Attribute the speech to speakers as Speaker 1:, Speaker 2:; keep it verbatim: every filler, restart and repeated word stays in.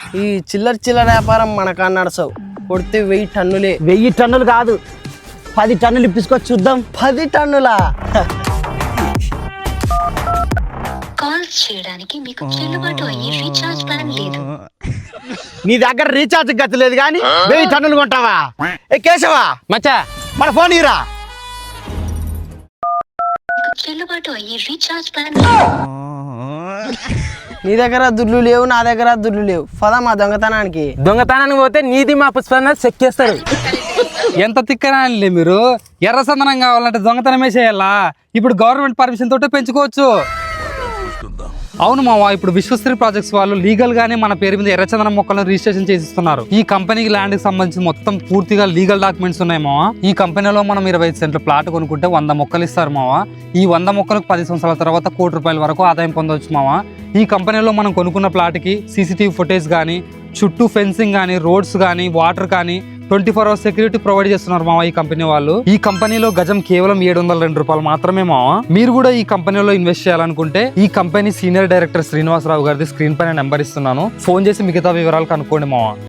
Speaker 1: ఈ చిల్లర చిల్లర వ్యాపారం మనకా నడసవు. కొడితే వెయ్యి టన్నులే.
Speaker 2: వెయ్యి టన్నులు కాదు, పది టన్నులు ఇప్పించుకొని చూద్దాం.
Speaker 1: పది టన్నులా?
Speaker 3: కాల్ చేయడానికి మీకు చెల్లుబాటు అయ్యే రీఛార్జ్ ప్లాన్ లేదు.
Speaker 2: నీ దగ్గర రీఛార్జ్ గతి లేదు కానీ వెయ్యి టన్నులు కొంటావా? ఏ కేశవా
Speaker 4: మచ్చా
Speaker 2: మన ఫోన్ ఇరా.
Speaker 3: మీకు చెల్లుబాటు అయ్యే రీఛార్జ్ ప్లాన్ లేదు.
Speaker 1: నీ దగ్గర దుడ్లు లేవు, నా దగ్గర దుడ్లు లేవు. పదా మా దొంగతనానికి.
Speaker 4: దొంగతనానికి పోతే నీది మా పుష్ప చెక్కేస్తారు.
Speaker 5: ఎంత తిక్కనాలే మీరు. ఎర్ర సందనం కావాలంటే దొంగతనమే చేయాలా? ఇప్పుడు గవర్నమెంట్ పర్మిషన్ తోటే పెంచుకోవచ్చు. అవును మావా, ఇప్పుడు విశ్వశ్రీ ప్రాజెక్ట్స్ వాళ్ళు లీగల్ గానే మన పేరు మీద ఎర్రచందనం మొక్కలను రిజిస్ట్రేషన్ చేసిస్తున్నారు. ఈ కంపెనీకి ల్యాండ్ కి సంబంధించి మొత్తం పూర్తిగా లీగల్ డాక్యుమెంట్స్ ఉన్నాయి మావా. ఈ కంపెనీలో మనం ఇరవై ఐదు సెంట్ల ప్లాట్ కొనుక్కుంటే వంద మొక్కలు ఇస్తారు మావా. ఈ వంద మొక్కలకు పది సంవత్సరాల తర్వాత కోటి రూపాయల వరకు ఆదాయం పొందవచ్చు మావా. ఈ కంపెనీలో మనం కొనుక్కున్న ప్లాట్కి సీసీటీవీ ఫుటేజ్ కానీ, చుట్టూ ఫెన్సింగ్ కానీ, రోడ్స్ కానీ, వాటర్ కానీ twenty four hours security provide చేస్తున్నారు మావా ఈ కంపెనీ వాళ్ళు. ఈ కంపెనీలో గజం కేవలం ఏడు వందల రెండు రూపాయలు మాత్రమే మావా. మీరు కూడా ఈ కంపెనీలో ఇన్వెస్ట్ చేయాలనుకుంటే ఈ కంపెనీ సీనియర్ డైరెక్టర్ శ్రీనివాసరావు గారిది స్క్రీన్ పైన నెంబర్ ఇస్తున్నాను. ఫోన్ చేసి మిగతా వివరాలు కనుక్కోండి మావా.